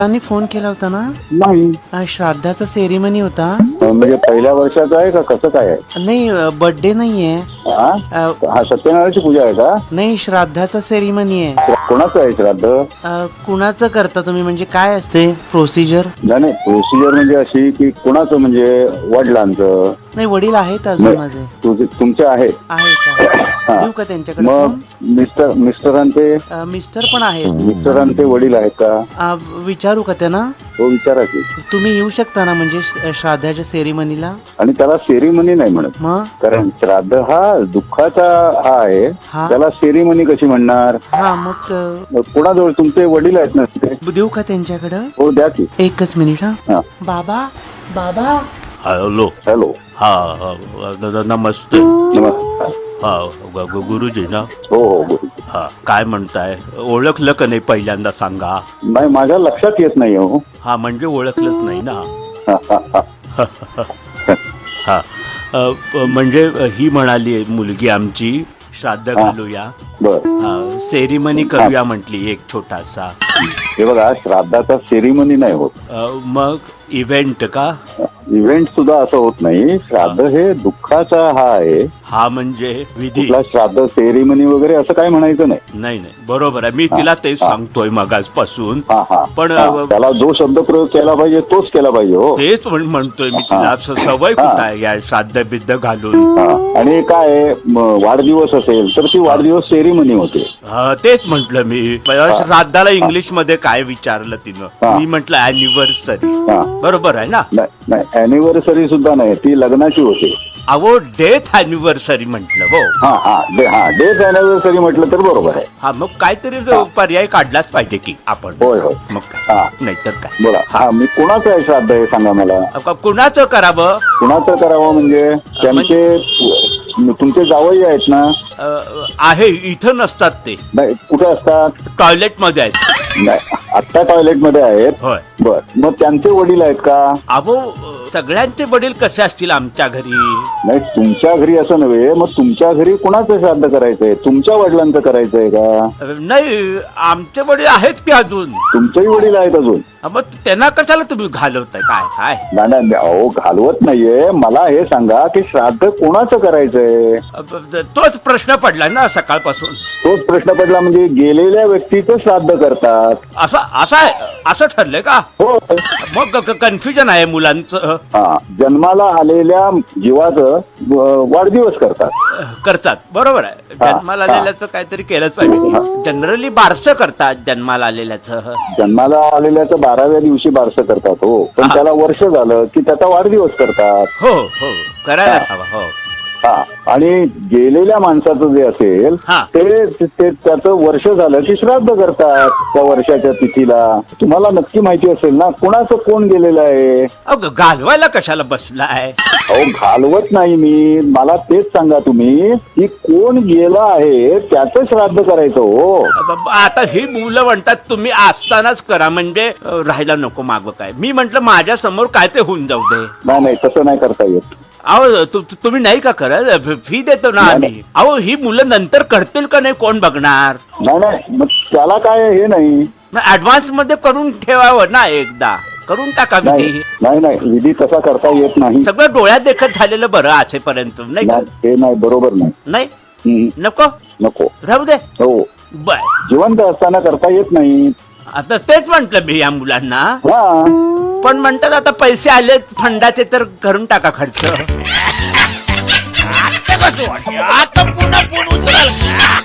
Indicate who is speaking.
Speaker 1: त्यांनी फोन केला होता ना?
Speaker 2: नाही.
Speaker 1: श्राद्धाचा सेरिमनी होता.
Speaker 2: म्हणजे पहिल्या वर्षाचं आहे का कसं काय आहे?
Speaker 1: नाही, बर्थडे नाहीये.
Speaker 2: हा सत्यनारायणाची पूजा आहे का?
Speaker 1: नाही, श्राद्धाचा सेरिमनी आहे.
Speaker 2: कोणाचं आहे श्राद्ध?
Speaker 1: कुणाचं करता तुम्ही? म्हणजे काय असते प्रोसिजर?
Speaker 2: नाही, प्रोसिजर म्हणजे अशी की कोणाचं, म्हणजे वडिलांचं?
Speaker 1: नाही, वडील आहेत अजून माझे.
Speaker 2: तुमचे आहेत?
Speaker 1: आहेत. देऊ का त्यांच्याकडे
Speaker 2: मग मिस्टरांचे?
Speaker 1: मिस्टर पण आहेत.
Speaker 2: मिस्टरांचे वडील आहेत का?
Speaker 1: विचारू का त्यांना?
Speaker 2: हो, विचारा की.
Speaker 1: तुम्ही येऊ शकता ना म्हणजे श्राद्धाच्या सेरिमनीला?
Speaker 2: आणि त्याला सेरिमनी नाही म्हणत,
Speaker 1: मग
Speaker 2: कारण श्राद्ध हा दुःखाचा हा आहे.
Speaker 1: हा.
Speaker 2: त्याला सेरिमनी कशी म्हणणार?
Speaker 1: हा, मग
Speaker 2: कोणाजवळ तुमचे वडील आहेत ना तिथे?
Speaker 1: देऊ का त्यांच्याकडं?
Speaker 2: हो, द्या की.
Speaker 1: एकच मिनिट.
Speaker 2: हा.
Speaker 1: बाबा बाबा.
Speaker 3: हॅलो.
Speaker 2: हॅलो.
Speaker 3: हा नमस्ते.
Speaker 2: नमस्कार.
Speaker 3: हा गुरुजी ना?
Speaker 2: हो हो, बोल.
Speaker 3: हा, काय म्हणताय? ओळखलं का नाही पहिल्यांदा सांगा.
Speaker 2: नाही, माझ्या लक्षात येत नाही हो.
Speaker 3: हा, म्हणजे ओळखलंच नाही ना.
Speaker 2: हा, हा, हा.
Speaker 3: हा, म्हणजे ही म्हणाली मुलगी आमची श्राद्ध घालूया,
Speaker 2: बर.
Speaker 3: सेरिमनी करूया म्हटली एक छोटासा.
Speaker 2: हे बघा, श्राद्धाचा सेरिमनी नाही होत.
Speaker 3: मग इव्हेंट का?
Speaker 2: इव्हेंट सुद्धा असं होत नाही. श्राद्ध हे दुःखाचा हा आहे.
Speaker 3: हा म्हणजे विधी.
Speaker 2: कुठला श्राद्ध सेरिमनी वगैरे असं काय म्हणायचं नाही.
Speaker 3: नाही नाही, बरोबर आहे. मी तिला तेच सांगतोय मगासपासून. पण
Speaker 2: त्याला जो शब्द प्रयोग केला पाहिजे तोच केला पाहिजे. हो,
Speaker 3: तेच म्हणतोय मी तिला. सवय कुठं आहे या श्राद्ध बिद्ध घालून.
Speaker 2: आणि काय वाढदिवस असेल तर ती वाढदिवस सेरिमनी होते.
Speaker 3: तेच म्हंटल मी. श्राद्धाला इंग्लिश मध्ये काय विचारलं तिनं? मी म्हंटल अॅनिव्हर्सरी. बरोबर आहे ना?
Speaker 2: नाही, अॅनिव्हर्सरी सुद्धा नाही, ती लग्नाची होते.
Speaker 3: अहो, डेथ अॅनिव्हर्सरी म्हंटल. हो,
Speaker 2: डेथ अॅनिव्हर्सरी म्हटलं तर बरोबर आहे.
Speaker 3: हा, मग काहीतरी पर्याय काढलाच पाहिजे की आपण.
Speaker 2: होय होय.
Speaker 3: मग नाही तर काय.
Speaker 2: बोला. हा, मी कुणाचं आहे श्राद्ध हे सांगा मला.
Speaker 3: कुणाचं करावं?
Speaker 2: कुणाचं करावं म्हणजे त्यांचे तुमचे जावई आहेत ना?
Speaker 3: आहे, इथं नसतात ते.
Speaker 2: नाही, कुठे असतात?
Speaker 3: टॉयलेट मध्ये आहेत.
Speaker 2: नाही, आत्ता टॉयलेट मध्ये आहेत.
Speaker 3: होय.
Speaker 2: बर, मग त्यांचे वडील आहेत का?
Speaker 3: अहो, सगळ्यांचे वडील कसे असतील आमच्या घरी?
Speaker 2: नाही, तुमच्या घरी असं नव्हे. मग तुमच्या घरी कुणाचं श्राद्ध करायचंय? तुमच्या वडिलांचं करायचंय का?
Speaker 3: नाही, आमचे वडील आहेत की अजून.
Speaker 2: तुमचेही वडील आहेत अजून?
Speaker 3: मग त्यांना कशाला तुम्ही घालवताय? काय काय?
Speaker 2: नाही, अहो, घालवत नाहीये. मला हे सांगा की श्राद्ध कोणाचं करायचंय?
Speaker 3: तोच प्रश्न पडला ना सकाळपासून.
Speaker 2: तोच प्रश्न पडला म्हणजे गेलेल्या व्यक्तीचं श्राद्ध करतात.
Speaker 3: असं ठरलंय का?
Speaker 2: हो.
Speaker 3: मग कन्फ्युजन आहे मुलांचं.
Speaker 2: जन्माला आलेल्या जीवाचं वाढदिवस
Speaker 3: करतात. बरोबर आहे. जन्माला आलेल्याचं काहीतरी केलंच पाहिजे. जनरली बारसं करतात जन्माला आलेल्याचं.
Speaker 2: जन्माला आलेल्याचं 12व्या दिवशी बारसं करतात. हो, पण त्याला वर्ष झालं की त्याचा वाढदिवस करतात.
Speaker 3: हो हो, करायलाच हवा. हो.
Speaker 2: आणि गेलेल्या माणसाचं जे असेल ते त्याचं वर्ष झालं की श्राद्ध करतात त्या वर्षाच्या तिथीला. तुम्हाला नक्की माहिती असेल ना कुणाचं कोण गेलेलं आहे?
Speaker 3: घालवायला कशाला बसलाय?
Speaker 2: अहो, घालवत नाही मी. मला तेच सांगा तुम्ही की कोण गेलं आहे त्याचं श्राद्ध करायचं. हो,
Speaker 3: आता ही मुलं म्हणतात तुम्ही असतानाच करा, म्हणजे राहायला नको मागं काय. मी म्हंटल माझ्या समोर काय ते होऊन जाऊ दे.
Speaker 2: नाही, तसं नाही करता येत.
Speaker 3: अहो, तुम्ही नाही का करत? फी देतो ना आम्ही. अहो, ही मुलं नंतर करतील का नाही कोण बघणार?
Speaker 2: नाही, मग त्याला काय हे नाही.
Speaker 3: ऍडव्हान्स मध्ये करून ठेवावं ना, एकदा करून टाका विधी.
Speaker 2: नाही, विधी तसा करता येत नाही.
Speaker 3: सगळं डोळ्यात देखत झालेलं बरं आजपर्यंत. नाही का?
Speaker 2: हे नाही, बरोबर नाही.
Speaker 3: नको राहू दे.
Speaker 2: हो,
Speaker 3: बर.
Speaker 2: जिवंत असताना करता येत नाही. आता
Speaker 3: तेच म्हंटल मी या मुलांना. पण म्हणतात आता पैसे आले फंडाचे तर करून टाका खर्च. आता पुन्हा फोन उचल.